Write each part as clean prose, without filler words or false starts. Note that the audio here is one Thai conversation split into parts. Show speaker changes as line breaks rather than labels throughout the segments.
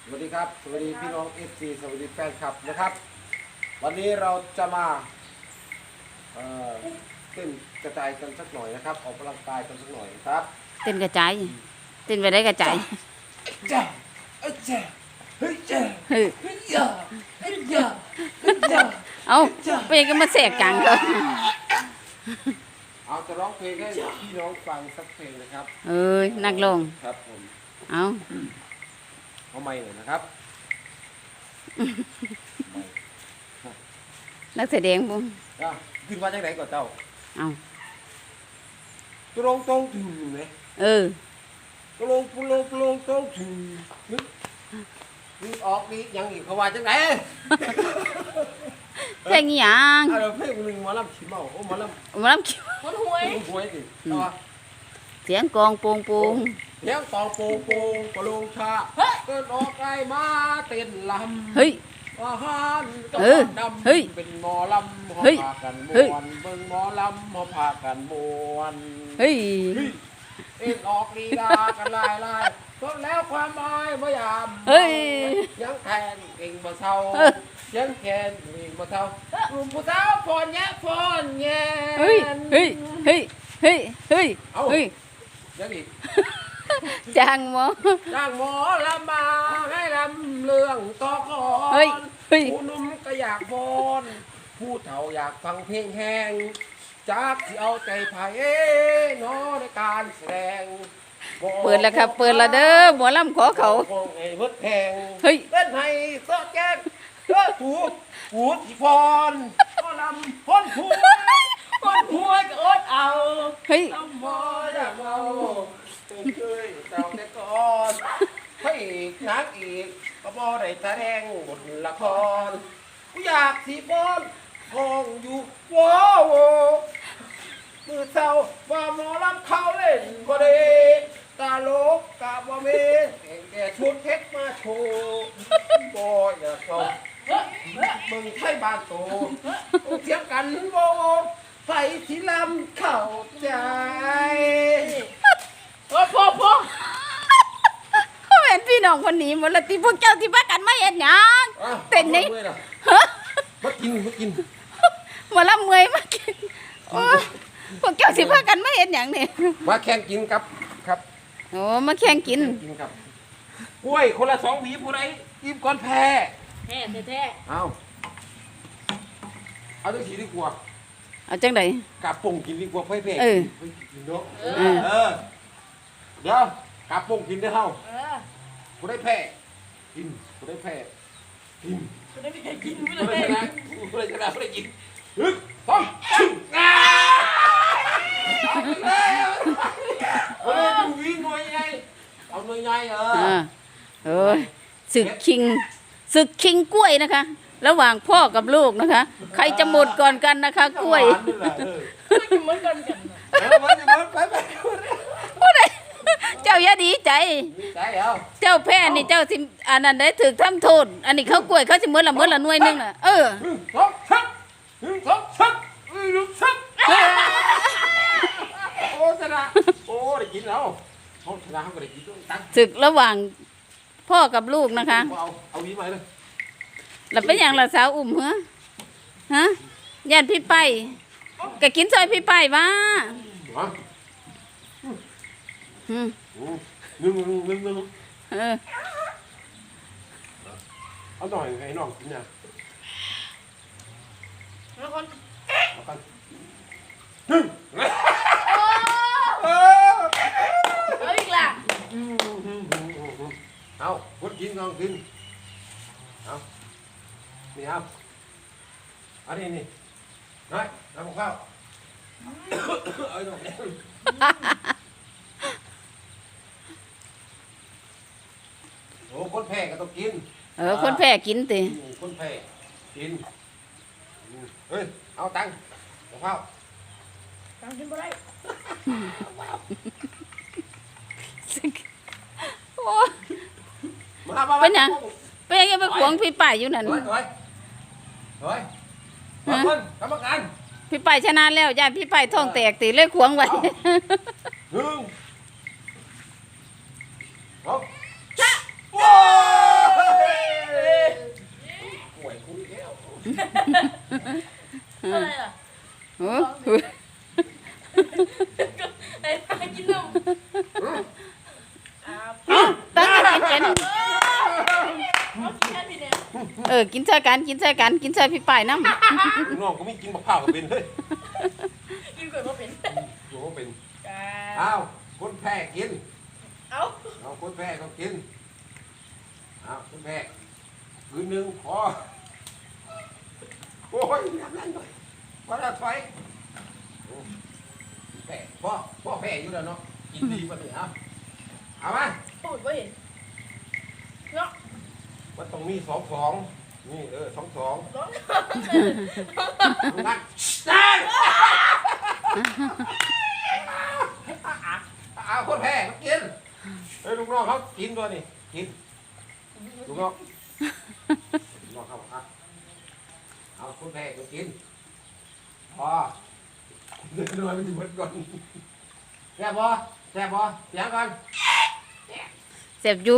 สวัสดีครับสวัสดีพี่น้องเอฟซีสวัสดีแฟนคลับนะครับวันนี้เราจะมาเต้นกระจายกันสักหน่อยนะครับออกกำลังกายกันสักหน่อยครับ
เต้นกระจายเต้นไปได้กระจาย
จ้าจ้าเฮ้ยจ้า
เฮ้ย
เฮ้ยจ้าเฮ้ยจ้าเฮ้ยจ้า
เอาไปยังมาแสกกลางเขา
เอาจะร้องเพลงให้พี่น้องฟังสักเพลงนะครับ
เอ้ยนักลง
ครับผม
เอา
ไม่เลยนะครับ
นักแสดงบุ้ง
ขึ้นมาจากไหนก่อนเจ้า
เอา
ตรงตรงถึงไหมตรงตรงถึงนึกออกนี่ยังอีกเขาว่าจังไหน
เพลงอีหยัง
เพลงหนึ่งหมอลำขี้เมาโอ้หมอล
ำคิว
มันหวยสิ
เสียงกองโป่งโป่ง
เสียงตองโป่งโป่งกระโลงชาเกิดออกไกลมาเต้นลำ
เฮ้ย
อาหารกับดำเป็นหมอลำหอพากันมวนเบิ่งหมอลำหอพากันมวน
เฮ้ย
เอ็นออกลีลากันลายก็แล้วความหมายพยายาม
เฮ้ย
ยังแทนเก่งบ่เศร้ายังแทนเก่งบ่เศร้ากลุ่มผู้สาวพอนแย่
เฮ้ยเฮ้ยเฮ้ยเฮ้ยเฮ้ยเฮ้ย
ยังอีก
จ้างหม
อลำมาให้ลำเรื่องต่อก่อนผู้นุ่มก็อยากบอนผู้เฒ่าอยากฟังเพลงแห้งจากที่เอาใจไผ่นอในการแสดง
เปิดแล้วครับเปิดแล้วเด้อหมอลำขอเขา
ไอ้เบิดแพง
เฮ้ย
เล่นให้ซอแกงถูที่พรก็ลำพ้นผัวก็อดเอาลำพออยากเอาเคยเต่าแต่ก่อนพระเอกนางเอกก็บ่ได้แสดงบทละครกูอยากสีบอลห้องอยู่ว้าวมือเศร้าว่าหมอลำเขาเล่นบ่ได้ตาโลกกาบ่เมแก่ชุดเพชรมาโชว์บ่อยากเขามึงไทยบ้านโตเทียงกันบ่ไฟที่ลำเข้าใจพอ
เขาเห็นพี่น้องคนนี้หมดละที่พวกเจ้าที่พักกันไม่เห็นหยังเต้นนี่
มากิน
มาละเมยมากินพวกเจ้าที่พักกันไม่เห็นหยังนี่
มาแข่งกินครับ
โอ้มาแข่งกิน
ครับกล้วยคนละ2 หวีผู้ใดอิ่มก่อนแพ้เอาจังสีดีกว่า
เอาจังได
กาป่งกินดีกว่าเพ่กินเนาะเดี๋ยวกาป่งกินได้เท่าผู้ได้แพ้กินผู้ได้แพ้กินผู้ได้กินผู้ได้ชนะผู้ได้กินต้องดูวิ่งหน่อยไงเอาหน่อยไง
ศึกคิงกล้วยนะคะระหว่างพ่อกับลูกนะคะใครจะหมดก่อนกันนะคะกล้วย
เหมือนกันไป
ผู้ใดเจ้าอย่าดีใจ
เจ้า
แพ้นี่เจ้าสิอันนั้นได้ถึกทำโทษอันนี้เขากล้วยเขาสิเหมือนละหน่วยนึงน่ะ
โอ้ชนะโอ้ได้กินแล้วเขาชนะเขาก็ได้กินด้วย
ศึกระหว่างพ่อกับลูกนะคะ
เอาวีมาเลย
แล้วเป็นอย่างละสาวอุ่มฮะญาติพี่ไปก็กินซอยพี่ไปว่า
นึ่งเอาหน่อยให้น้องกินนะแล้วคน
เอาอีกล่ะ
เอาคนกินน้องกินเอานี่ครับอันนี้น้อยน้ำข้าวเอาหน่อยโอ้คนแพ้ก็ต้องกิน
คนแพ้กินติ
คนแพ้กินเฮ้ยเอาตังข้าวตังกินบ่ได้
เป็นยังไปขวงพี่ป้ายอยู่นั่น
กรรมการ
พี่ป้ายชนะแล้วญาติพี่ป้ายท้องแตกตีเลยขวงไว้
ว้า
เป็นกินใส่กันกินใส่กันกินใส่พี่ป้ายน้ำ
น้องก็ไม่กินบักพร้าวก็เป็นเฮ้ย
กินก๋วยก็เป็น
ตัวก็เป็น
จ้า
อ้าวคนแพ้กิน
เอา
เอาคนแพ้ต้องกินอ้าวคนแพ้คืนหนึ่งพอโอ้ยน้ำนั่นหน่อยว่าจะถอยแพ้พ่อแพ้อยู่แล้วเนาะกินดีมาเลยเอามา
พูดว่าเห็นเนาะ
มันต้องมี2 นี่2
ร้อง
นักนั่นเอาคนแพ้เขากินเฮ้ยลูกน้องเขากินด้วยนี่กินลูกน้องเขาเอาคนแพ้เขากินพอเดินด้วยมันจะหมดก่อนแซ่บบ่เสียงก่อน
เสียบอยู่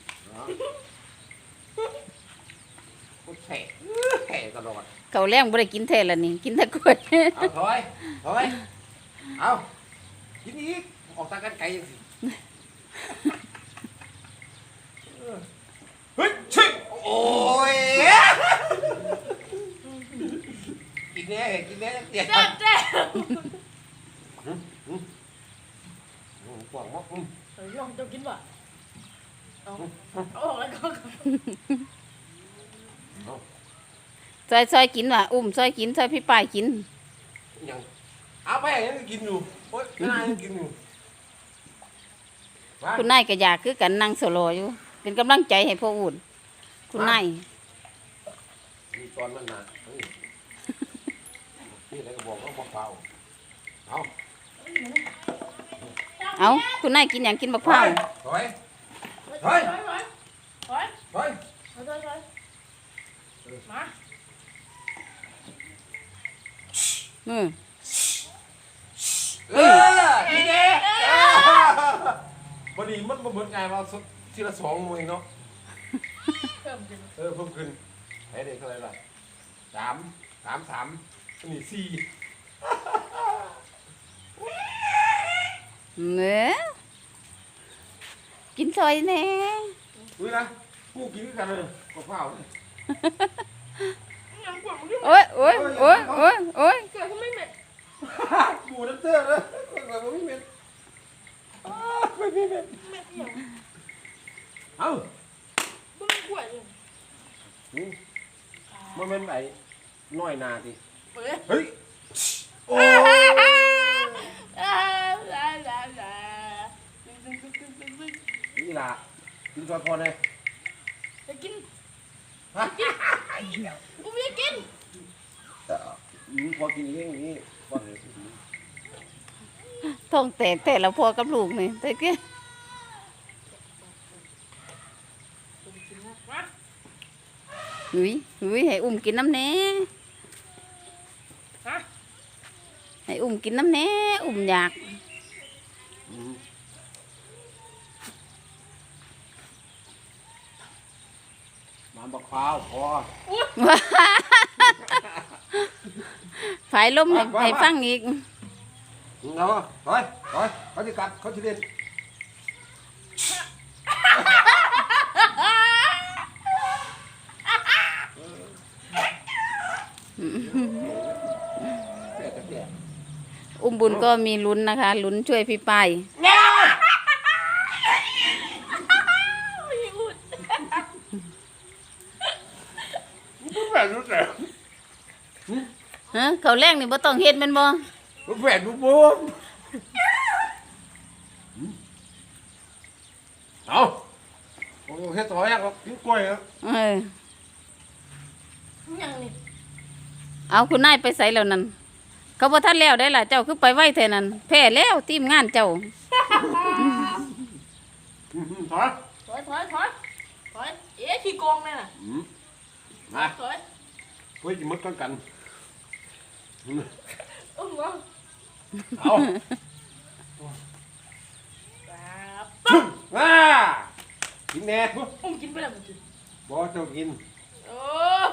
คนแพ้ตลอด
เขาแรงบ่ได้กินแท้ละนี่กินแต่กล้วย
เอาถอยเอากินอีกออกตากันไกลยังสิเฮ้ยชิโอ้ยกินเนี้ยเตี้ย
แจ๊บแจ๊บ
กว่างมาก
เฮ้ยลองจะกินว่ะเอาออกแล้วก็
ซอยกินว่ะซอยกินซอยพี่ป้ายกิน
ยังเอาไปยังกินอยู่โอ๊ยน่ายังกินอยู่
คุณนายก็อยากคือกันนั่งโซโลอยู่ เป็นกำลังใจให้พ่ออุ่นคุณนาย
มีตอนมันนะนี่อะไรก็บอกว่าบอกเปล่าเอา
เอาคุณนายกินอย่างกินบักพร้าว
ถอย
ถอยถอย
ถอย
มา
มือ
นี่เด้พอดีมันเหมือนไงมาทีละ2มือเนาะ
เพิ่มขึ้น
เพิ่มขึ้นให้เด็กเท่าไหร่ล่ะ3นี่4
เนื้อกินซอยแน่
อุ้ยนะกูกินกันเลยกับข้าว
ยังกว่ามึงด้วย
โอ้ย
เกิดก็ไม่เหม็น
กูน้ำเตื้อเลยแบบไม่เหม็นไม่เหม็น
เหม็นอย่าง
เอ้า
มึงกล้วยเลย
มันเป็นไอ้น้อยนาดิ
เฮ้ย
เฮ้ยโอ้ นี่ล่ะกินซอยพอเลย
จะกิน
ฮะ
กูไม่กิน
พอกินเองนี่พอเลย
ท้องแตกแต่ละพ่อกับลูกนี่แต่กี้
มา
หุยให้กินน้ำแน่
ฮะ
ให้กินน้ำแน่อยาก
น้ำบักพร้าวพอ
ฝายลมให้ฟังอีก
เอาถอยเขาจะกัดเขาจะเล่นเสีย
บุญก็มีลุ้นนะคะลุ้นช่วยพี่ป้าย
ไม่อุด
แฝดรู้แต่
ฮะเขาวแรงนี่บ่ต้องเฮ็ดแม่นบ่
แฝดรู้ปุ๊บเอาโอ้แค่ต่อยก็กินกล้วยครับ
ยังนี่
เอาคุณนายไปใส่แล้วนั่นเขาบ่ทันแล้วได้ล่ะเจ้าคือไปไว้แท้นั่นแพ้แล้วทีมงานเจ้า
ถอย
ถอยเอ๊ะขี้โกงเลยน่ะ
มา
ถอย
เฮ้ยจะมัดกัน
งง
เอา
ปั๊บ
ว้ากินแน่
กินไปแล้วมึงกิน
บ่เจ้ากิน
โอ้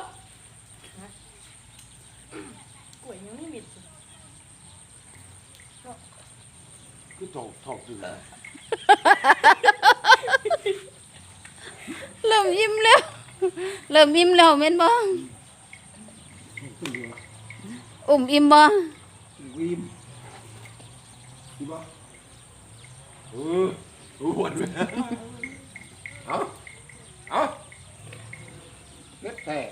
กล้วยยังไม่มิด
คือถอกอยู่เลย
เริ่มยิ้มแล้วเริ่มยิ้มแล้วแม่นบ่อุ้มอิ่มบ่
วิมดีบ่หวนเลยเอาเล็ดแต่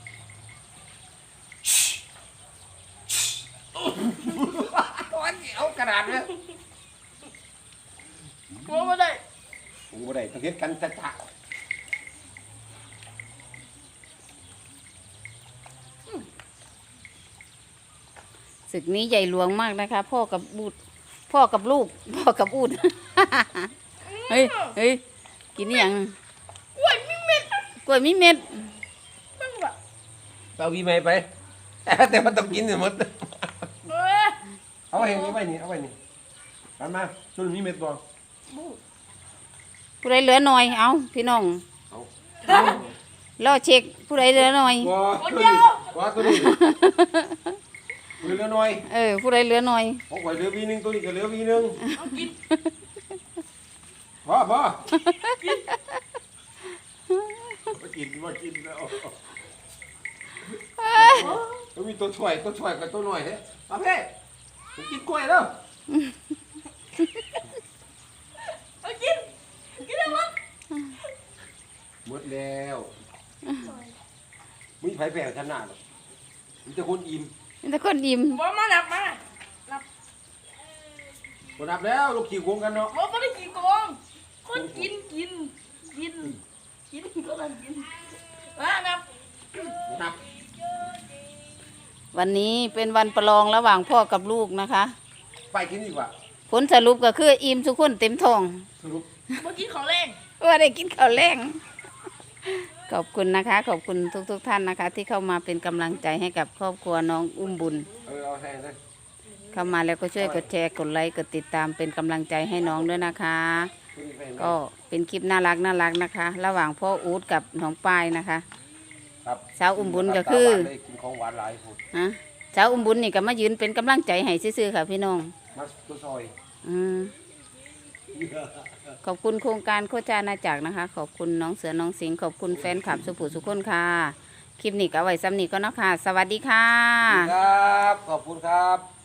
เอากระดาษเลย
กลัวไม่ได้
กูบ่ได้ต้องเฮ็ดกันจะ
ศึกนี้ใหญ่หลวงมากนะคะ พ่อกับบูดพ่อกับลูกพ่อกับอูด เฮ้ยเฮ้ยกินอหย่าง
กล้วยมีเม็ด
กล้วยมีเม็ด
ตั้งแบบ
เอาวีไม่ไป แต่มันต้องกินหมด
เอ้ย
เอาไว้นี่ไว้นี่เอาไว้นี่กันมาจนมีเม็ดบ่
ผู้ใดเหลือหน่อยเอาพี่น้อง
เอา
รอเช็คผู้ใดเหลือหน่อย
ว่าตัวนี้เหลือน้อย
ผู้ใดเหลือหน่อย
ของข่อยเหลือวีนึงตัวนี้ก็เหลือวีนึง
เอากิน
บ่บ่มากินแล้วมันมีตัวช่วยกับตัวหน่อยเด้เอาเพ่ผมกินกล้วยแล้ว
เอากินกินได้มั้ง
หมดแล้วมีไผแผ่ชนะหรอกมีแต่คนอิ่ม
มีแต่คนอิ่ม
บอกมาหลับมา
บ่นับแล้วลูกขี้โกงกันเนาะ
บอกไม่ได้กินกองคนกินก็ต้องกินมานับ
บ่นับ
วันนี้เป็นวันประลองระหว่างพ่อกับลูกนะคะ
ไปกินดีกว่า
ผลสรุปก็คืออิ่มทุกคนเต็มท้อง
สรุป
เมื่อกี้ของแรง
ว่าได้กินข้าวแรงขอบคุณนะคะ ขอบคุณทุกท่านนะคะ ที่เข้ามาเป็นกำลังใจให้กับครอบครัวน้องอุ้มบุญ
เอาให้เลย
เข้ามาแล้วก็ช่วยกดแชร์กดไลค์กดติดตามเป็นกำลังใจให้น้องด้วยนะคะ ก็เป็นคลิปน่ารักนะคะ ระหว่างพ่ออู๊ดกับน้องปายนะคะ
ครับ
สาวอุ้มบุญก็คือ
ได้กินของหวานหลายคน
ฮะสาวอุ้มบุญนี่ก็มายืนเป็นกำลังใจให้ซื่อๆค่ะพี่น้อง
มาตัวซอย
อืมขอบคุณโครงการโคจานาจักรนะคะ ขอบคุณน้องเสือน้องสิงห์ขอบคุณแฟนคลับสุภูสุคนค่ะ คลิปนี้ก็เอาไว้ซ้ำนี้ก็เนาะค่ะ สวัสดีค่ะ
ครับขอบคุณครับ